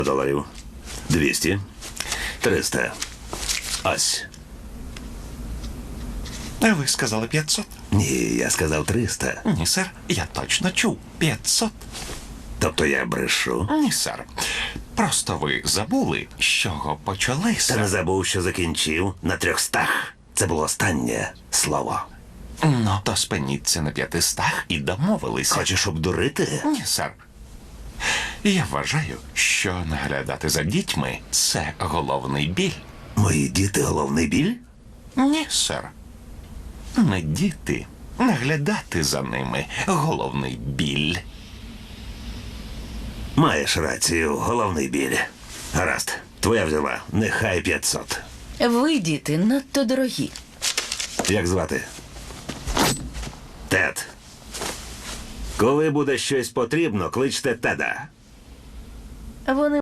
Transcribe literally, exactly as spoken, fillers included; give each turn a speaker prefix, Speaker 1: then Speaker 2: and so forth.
Speaker 1: доларів. Двісті. Триста. Ось.
Speaker 2: А ви сказали п'ятсот?
Speaker 1: Ні, я сказав триста.
Speaker 2: Ні, сер, я точно чув. п'ятсот.
Speaker 1: Тобто я брешу.
Speaker 2: Ні, сер. Просто ви забули, з чого почали,
Speaker 1: Та не
Speaker 2: сер.
Speaker 1: забув, що закінчив на трьохстах. Це було останнє слово.
Speaker 2: Ну, то спиніться на п'ятистах і домовилися.
Speaker 1: Хочеш обдурити?
Speaker 2: Ні, сер. Я вважаю, що наглядати за дітьми – це головний біль.
Speaker 1: Мої діти головний біль?
Speaker 2: Ні, сер. Не діти. Наглядати за ними – головний біль.
Speaker 1: Маєш рацію, головний біль. Гаразд, твоя взяла. Нехай п'ятсот.
Speaker 3: Ви, діти, надто дорогі.
Speaker 1: Як звати? Тед. Коли буде щось потрібно, кличте Теда.
Speaker 3: Вони